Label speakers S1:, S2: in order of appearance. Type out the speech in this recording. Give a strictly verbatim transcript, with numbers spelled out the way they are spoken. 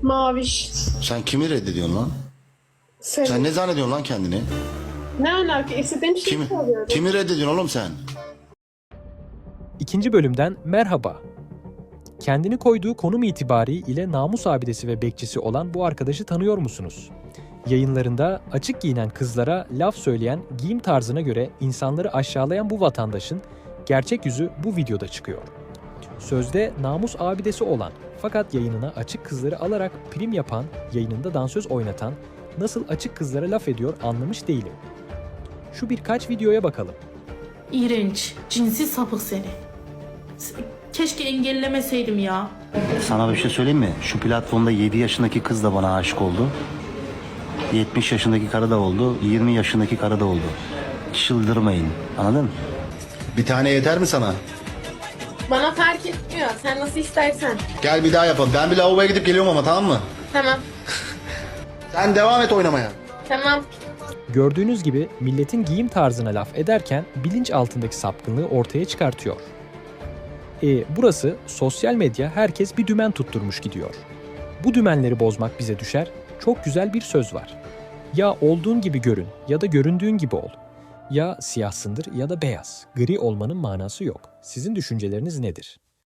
S1: Maviş.
S2: Sen kimi reddediyorsun lan?
S1: Sen,
S2: Sen ne zannediyorsun lan kendini?
S1: ne alaka? İstediğim şey
S2: Kimi,
S1: soruyorum.
S2: kimi reddediyorsun oğlum sen?
S3: İkinci bölümden merhaba. Kendini koyduğu konum itibariyle namus abidesi ve bekçisi olan bu arkadaşı tanıyor musunuz? Yayınlarında açık giyinen kızlara laf söyleyen, giyim tarzına göre insanları aşağılayan bu vatandaşın gerçek yüzü bu videoda çıkıyor. Sözde namus abidesi olan fakat yayınına açık kızları alarak prim yapan, yayınında dansöz oynatan, nasıl açık kızlara laf ediyor anlamış değilim. Şu birkaç videoya bakalım.
S4: İğrenç, cinsi sapık seni. S- Keşke engellemeseydim ya.
S2: Sana bir şey söyleyeyim mi? Şu platformda yedi yaşındaki kız da bana aşık oldu. yetmiş yaşındaki karı da oldu. yirmi yaşındaki karı da oldu. Çıldırmayın. Anladın mı? Bir tane yeter mi sana?
S1: Bana fark etmiyor. Sen nasıl istersen.
S2: Gel bir daha yapalım. Ben bir lavaboya gidip geliyorum ama, tamam mı?
S1: Tamam.
S2: Sen devam et oynamaya.
S1: Tamam.
S3: Gördüğünüz gibi milletin giyim tarzına laf ederken bilinç altındaki sapkınlığı ortaya çıkartıyor. E, burası sosyal medya, herkes bir dümen tutturmuş gidiyor. Bu dümenleri bozmak bize düşer, çok güzel bir söz var. Ya olduğun gibi görün ya da göründüğün gibi ol. Ya siyahsındır ya da beyaz. Gri olmanın manası yok. Sizin düşünceleriniz nedir?